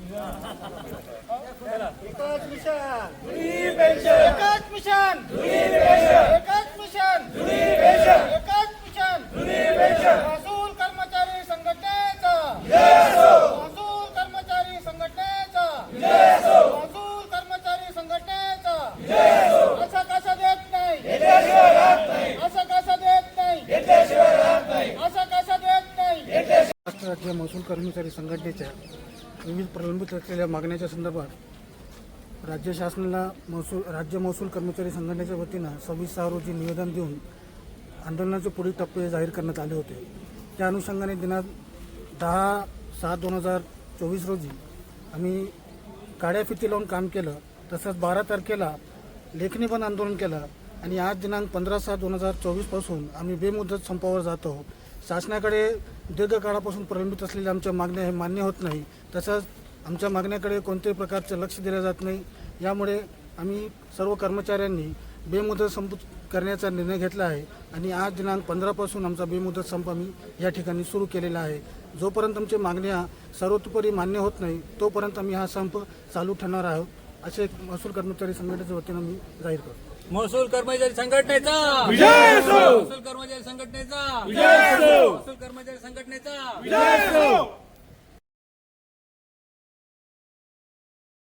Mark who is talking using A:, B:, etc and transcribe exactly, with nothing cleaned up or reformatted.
A: एकच मिशन जुनी पेन्शन, एकच मिशन जुनी पेन्शन, एकच मिशन जुनी पेन्शन, एकच मिशन जुनी पेन्शन। महसूल कर्मचारी संघटनेचा जय असो, महसूल कर्मचारी संघटनेचा जय असो, महसूल कर्मचारी संघटनेचा जय असो। असं कसं देत नाही, घेतल्याशिवाय राहत नाही, असं कसं देत नाही, घेतल्याशिवाय राहत नाही, असं कसं देत नाही, घेतल्याशिवाय। महाराष्ट्र राज्य महसूल कर्मचारी संघटनेच्या विविध प्रलंबित असलेल्या मागण्याच्या संदर्भात राज्य शासनाला महसूल राज्य महसूल कर्मचारी संघटनेच्या वतीनं सव्वीस सहा रोजी निवेदन देऊन आंदोलनाचे पुढील टप्पे जाहीर करण्यात आले होते। त्या अनुषंगाने दिनांक दहा सात दोन हजार चोवीस रोजी आम्ही काड्या फिती लावून काम केलं। तसंच बारा तारखेला लेखणी बंद आंदोलन केलं आणि आज दिनांक पंधरा सात दोन हजार चोवीसपासून आम्ही बेमुदत संपावर जातो। शासनाकडे दीर्घकाळापासून प्रलंबित असलेल्या आमच्या मागण्या हे मान्य होत नाही, तसंच आमच्या मागण्याकडे कोणत्याही प्रकारचं लक्ष दिलं जात नाही। यामुळे आम्ही सर्व कर्मचाऱ्यांनी बेमुदत संप करण्याचा निर्णय घेतला आहे आणि आज दिनांक पंधरापासून आमचा बेमुदत संप आम्ही या ठिकाणी सुरू केलेला आहे। जोपर्यंत आमच्या मागण्या सर्वतोपरी मान्य होत नाही तोपर्यंत आम्ही हा संप चालू ठेवणार आहोत, असे महसूल कर्मचारी संघटनेच्या वतीनं आम्ही जाहीर करतो।
B: महसूल कर्मचारी संघटनेचा विजय असो, महसूल कर्मचारी संघटनेचा विजय असो, महसूल कर्मचारी संघटनेचा विजय असो।